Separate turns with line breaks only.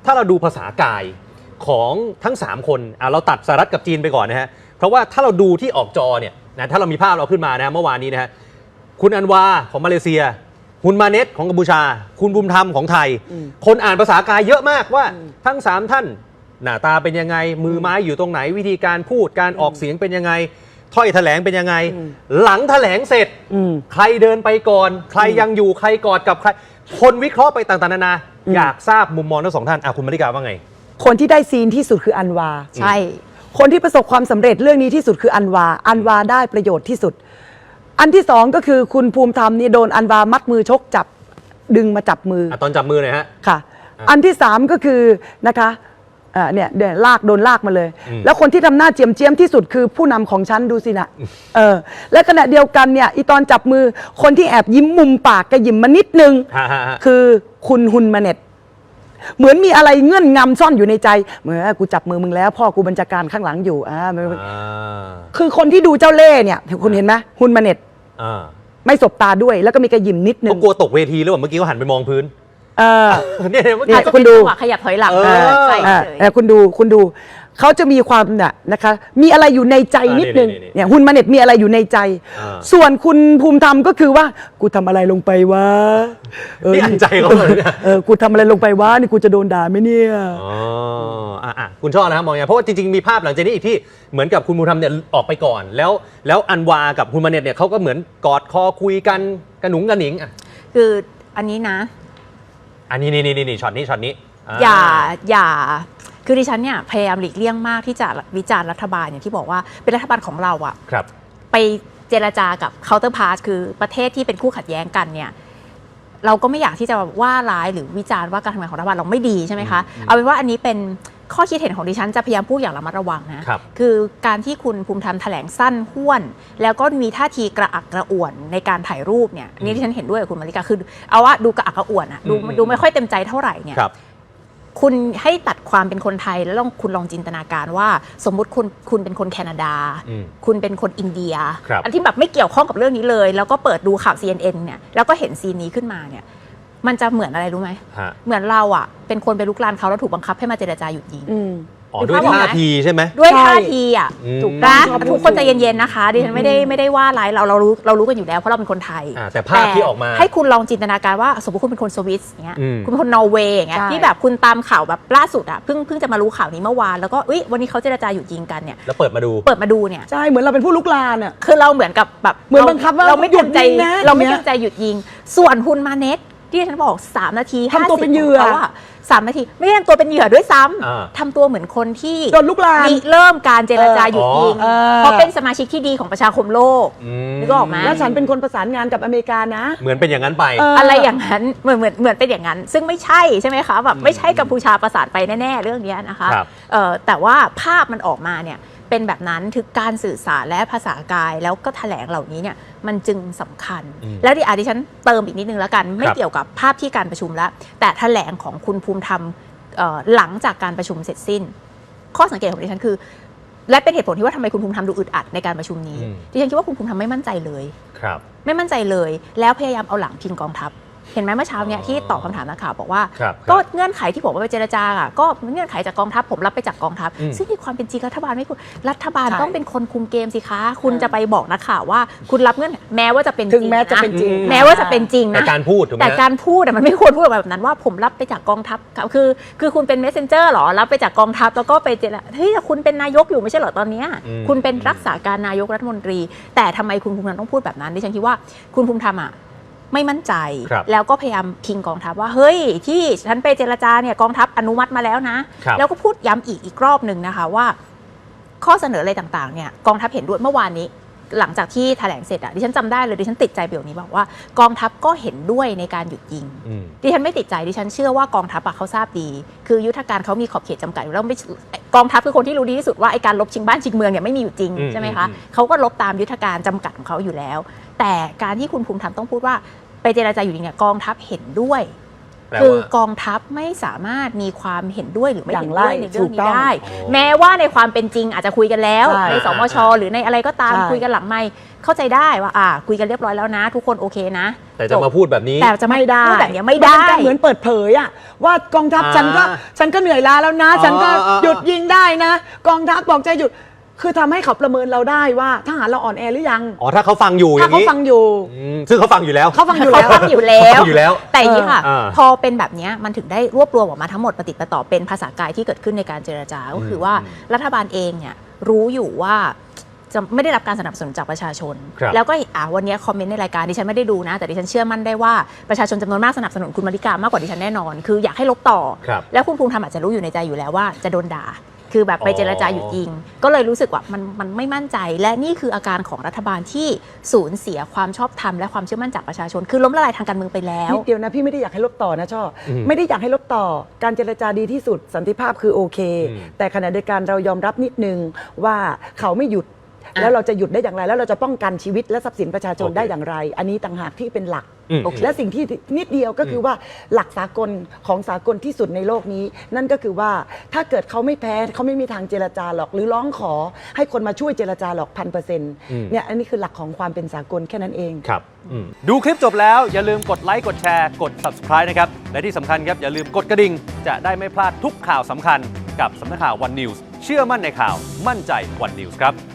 ถ้าเราดูภาษากายของทั้ง3คนเราตัดสหรัฐกับจีนไปก่อนนะฮะเพราะว่าถ้าเราดูที่ออกจอเนี่ยนะถ้าเรามีภาพเราขึ้นมานะเมื่อวานนี้นะฮะคุณอันวาของมาเลเซียคุณมาเนตของกัมพูชาคุณบุญธรรมของไทยคนอ่านภาษากายเยอะมากว่าทั้ง3ท่านหน้าตาเป็นยังไงมือไม้อยู่ตรงไหนวิธีการพูดการออกเสียงเป็นยังไงถ้อยแถลงเป็นยังไงหลังแถลงเสร็จใครเดินไปก่อนใครยังอยู่ใครกอดกับใครคนวิเคราะห์ไปต่างๆนานาอยากทราบมุมมองทั้ง2ท่านคุณมริกาว่าไง
คนที่ได้ซีนที่สุดคืออันวา
ใช่
คนที่ประสบความสำเร็จเรื่องนี้ที่สุดคืออันวาได้ประโยชน์ที่สุดอันที่2ก็คือคุณภูมิธรรมนี่โดนอันวามัดมือชกจับดึงมาจับมือ
ตอนจับมือหน่อยฮะ
ค่ะอันที่3ก็คือนะคะเนี่ยโดนลากมาเลยแล้วคนที่ทำหน้าเจียมที่สุดคือผู้นำของฉันดูสินะและขณะเดียวกันเนี่ยอีตอนจับมือคนที่แอบยิ้มมุมปากกระยิ้มมานิดนึงคือคุณฮุนมาเน็ตเหมือนมีอะไรเงื่อนงำซ่อนอยู่ในใจเหมือนกูจับมือมึงแล้วพ่อกูบัญชาการข้างหลังอยู่คือคนที่ดูเจ้าเล่ห์เนี่ยคุณเห็นไหมฮุนมาเน็ตไม่สบตาด้วยแล้วก็มีกระยิ้มนิดนึง
เขากลัวตกเวทีหรือเปล่าเมื่อกี้เขาหันไปมองพื้น
เนี่ยคุณดูขยับถอยหลัง
คุณดูเขาจะมีความนะคะมีอะไรอยู่ในใจนิดนึงเนี่ยฮุนมาเน็ตมีอะไรอยู่ในใจส่วนคุณภูมิธรรมก็คือว่ากูทำอะไรลงไปวะ
นี่อ่านใจเขาเลยเนี่ย
กูทำอะไรลงไปวะนี่กูจะโดนด่าไหมเนี่ย
คุณชอบนะครับมองอย่างเพราะว่าจริงๆมีภาพหลังจากนี้อีกที่เหมือนกับคุณภูมิธรรมเนี่ยออกไปก่อนแล้วอันวากับฮุนมาเน็ตเนี่ยเขาก็เหมือนกอดคอคุยกันกระหนุงกระหนิง
คืออันนี้นะ
อันนี้นี่ช็อตนี้
อย่าคือดิฉันเนี่ยพยายามหลีกเลี่ยงมากที่จะวิจารณ์รัฐบาลอย่างที่บอกว่าเป็นรัฐบาลของเราอะไปเจรจากับเคาน์เตอร์พาร์ทคือประเทศที่เป็นคู่ขัดแย้งกันเนี่ยเราก็ไม่อยากที่จะว่าร้ายหรือวิจารณ์ว่าการทำงานของรัฐบาลเราไม่ดีใช่ไหมคะเอาเป็นว่าอันนี้เป็นข้อคิดเห็นของดิฉันจะพยายามพูดอย่างระมัดระวังนะคือการที่คุณภูมิธรรมแถลงสั้นห้วนแล้วก็มีท่าทีกระอักกระอ่วนในการถ่ายรูปเนี่ยนี่ดิฉันเห็นด้วยกับคุณมาริกาคือเอาว่าดูกระอักกระอ่วนอะดูไม่ค่อยเต็มใจเท่าไหร่เนี่ยคุณให้ตัดความเป็นคนไทยแล้วคุณลองจินตนาการว่าสมมุติคุณเป็นคนแคนาดาคุณเป็นคนอินเดียอันที่แบบไม่เกี่ยวข้องกับเรื่องนี้เลยแล้วก็เปิดดูข่าว CNN เนี่ยแล้วก็เห็นซีนนี้ขึ้นมาเนี่ยมันจะเหมือนอะไรรู้ไหมเหมือนเราอ่ะเป็นคนไปลุกลานเขาแล้วถูกบังคับให้มาเจรจาหยุดยิง
ด้วยท่าทีใช่ไหม
ด้วยท่าทีอ่ะถูกนะทุกคนใจเย็นๆนะคะดิฉันไม่ได้ว่าอะไรเรารู้กันอยู่แล้วเพราะเราเป็นคนไทย
แต่ภาพที่ออกมา
ให้คุณลองจินตนาการว่าสมมติคุณเป็นคนสวิสเงี้ยคุณเป็นคนนอร์เวย์เงี้ยที่แบบคุณตามข่าวแบบล่าสุดอ่ะเพิ่งจะมารู้ข่าวนี้เมื่อวานแล้วก็วันนี้เขาเจรจาหยุดยิงกันเนี่ย
แล้วเปิดมาดู
เนี่ย
ใช่เหมือนเราเป็นผู้ลุกลานอ่ะ
คือเราเหมือนกับแบบ
เหมือนบังคับว่า
เราไม่เต็มใจหยุดยิงส่วนฮุนมาเน็ตที่ฉันบอก3 นาที
ทำตัวเป็นเหยื่อ
3 นาทีไม่ได้ทำตัวเป็นเหยื่อด้วยซ้ำทำตัวเหมือนคนที่
โดนลุกลาน
เริ่มการเจรจาหยุดยิงเพราะเป็นสมาชิกที่ดีของประชาคมโลกนึกออกไหม
แล้วฉันเป็นคนประสานงานกับอเมริกานะ
เหมือนเป็นอย่างนั้นไป
อะไรอย่างนั้นเหมือนเป็นอย่างนั้นซึ่งไม่ใช่ไหมคะแบบไม่ใช่กัมพูชาประสานไปแน่ๆเรื่องนี้นะคะแต่ว่าภาพมันออกมาเนี่ยเป็นแบบนั้นถึงการสื่อสารและภาษากายแล้วก็แถลงเหล่านี้เนี่ยมันจึงสำคัญแล้วดิฉันเติมอีกนิดนึงแล้วกันไม่เกี่ยวกับภาพที่การประชุมแล้วแต่แถลงของคุณภูมิธรรมหลังจากการประชุมเสร็จสิ้นข้อสังเกตของดิฉันคือและเป็นเหตุผลที่ว่าทำไมคุณภูมิธรรมดูอึดอัดในการประชุมนี้ดิฉันคิดว่าคุณภูมิธรรมไม่มั่นใจเลยไม่มั่นใจเลยแล้วพยายามเอาหลังพิงกองทัพเห็นไหมเมื่อเช้าเนี่ยที่ตอบคำถามนักข่าวบอกว่าก็เงื่อนไขที่ผมไปเจรจาอ่ะก็เงื่อนไขจากกองทัพผมรับไปจากกองทัพซึ่งในความเป็นจริงรัฐบาลไม่คุณรัฐบาลต้องเป็นคนคุมเกมสิคะคุณจะไปบอกนักข่าวว่าคุณรับเงื่อนแม้ว่าจะเป็นจริง
แม้ว่าจะเป็นจ
ริงนะ
แต่การพูด
มันไม่ควรพูดแบบนั้นว่าผมรับไปจากกองทัพคือคุณเป็น messenger หรอรับไปจากกองทัพแล้วก็ไปเจรจาเฮ้ยคุณเป็นนายกอยู่ไม่ใช่เหรอตอนนี้คุณเป็นรักษาการนายกรัฐมนตรีแต่ทำไมคุณภูมิธรรมต้องพูดแบบนั้นดิฉันคิดว่าคุณภูมิธรรมไม่มั่นใจแล้วก็พยายามพิงกองทัพว่าเฮ้ยที่ฉันไปเจรจาเนี่ยกองทัพอนุมัติมาแล้วนะแล้วก็พูดย้ำอีกรอบหนึ่งนะคะว่าข้อเสนออะไรต่างๆเนี่ยกองทัพเห็นด้วยเมื่อวานนี้หลังจากที่แถลงเสร็จดิฉันจำได้เลยดิฉันติดใจประโยคนี้บอกว่ากองทัพก็เห็นด้วยในการหยุดยิงดิฉันไม่ติดใจดิฉันเชื่อว่ากองทัพเขาทราบดีคือยุทธการเขามีขอบเขตจำกัดอยู่แล้วไม่กองทัพคือคนที่รู้ดีที่สุดว่าไอ้การลบชิงบ้านชิงเมืองเนี่ยไม่มีอยู่จริงใช่ไหมคะเขาก็ลบตามยุทธการจำกัดของเขาอยู่แล้วแต่การที่คุณภูมิธรรมต้องพูดว่าไปเจรจาอยู่ดีเนี่ยกองทัพเห็นด้วยคือกองทัพไม่สามารถมีความเห็นด้วยหรือไม่เห็นด้วยในเรื่อง
ถูกต้
นี้
อง
ได้ แม้ว่าในความเป็นจริงอาจจะคุยกันแล้ว
ใช่
ในสมชหรือในอะไรก็ตาม
ใช่
คุยกันหลังไมค์เข้าใจได้ว่าคุยกันเรียบร้อยแล้วนะ ทุกคนโอเคนะ
แต่จะมาพูดแบบนี้
แต่จะไม่ได้พูดแบบนี้ไม่ได้
นเป็นการเหมือนเปิดเผยอะว่ากองทัพฉันก็เหนื่อยล้าแล้วนะ ฉันก็หยุดยิงได้นะ กองทัพบอกจะหยุดคือทำให้เขาประเมินเราได้ว่าทหารเราอ่อนแอหรือยัง
อ๋อถ้าเขาฟังอยู่อ
ถ้า
ย่าง
เขา
นี้
ฟังอยู่
ซึ่งเขาฟังอยู่แล้ว
เขาฟังอยู่
เขา
แล้ว
ฟังอยู่แล้ว
เขาฟังอยู่แล้ว
แต่อย่างนี้ค่ะ
า
พอเป็นแบบเนี้ยมันถึงได้รวบรวมออกมาทั้งหมดปฏิดประต่อเป็นภาษากายที่เกิดขึ้นในการเจรจา ก็คือว่ารัฐบาลเองเนี่ยรู้อยู่ว่าจะไม่ได้รับการสนับสนุนจากประชาชน
ครับ
แล้วก็วันนี้คอมเมนต์ในรายการดิฉันไม่ได้ดูนะ แต่ดิฉันเชื่อมั่นได้ว่าประชาชนจำนวนมากสนับสนุนคุณมาริกามากกว่าดิฉันแน่นอน คืออยากให้ลบต่อ
ครับ
แล้วคุณภูมิธรรมอาจจะรู้อยู่ในใจอยู่แล้วว่าจะโดนด่า คือแบบไปเจรจาหยุดยิง ก็เลยรู้สึกว่ามันไม่มั่นใจ และนี่คืออาการของรัฐบาลที่สูญเสียความชอบธรรมและความเชื่อมั่นจากประชาชน คือล้มละลายทางการเมืองไปแล้ว
นิดเดียวนะพี่ไม่ได้อยากให้ลบต่อนะช่อไม่ได้อยากให้ลบต่อการเจรจาดีที่สุดสันติภาพคือโอเค แต่ขณะเดียวกันเรายอมรับนิดนึงว่าเขาไม่หยุด แล้วเราจะหยุดได้อย่างไร แล้วเราจะป้องกันชีวิตและทรัพย์สินประชาชน
โอเค
ได้อย่างไร อันนี้ต่างหากที่เป็นหลัก
โอเค
และสิ่งที่นิดเดียวก็คือว่าหลักสากลของสากลที่สุดในโลกนี้ นั่นก็คือว่าถ้าเกิดเขาไม่แพ้เขาไม่มีทางเจรจาหรอก หรือร้องขอให้คนมาช่วยเจรจาหรอก1,000%เนี่ยอันนี้คือหลักของความเป็นสากลแค่นั้นเอง
ครับ
ดูคลิปจบแล้วอย่าลืมกดไลค์กดแชร์กด Subscribe นะครับ และที่สำคัญครับ อย่าลืมกดกระดิ่ง จะได้ไม่พลาดทุกข่าวสำคัญกับสำนักข่าว One News เชื่อมั่นในข่าวมั่นใจ One News ครับ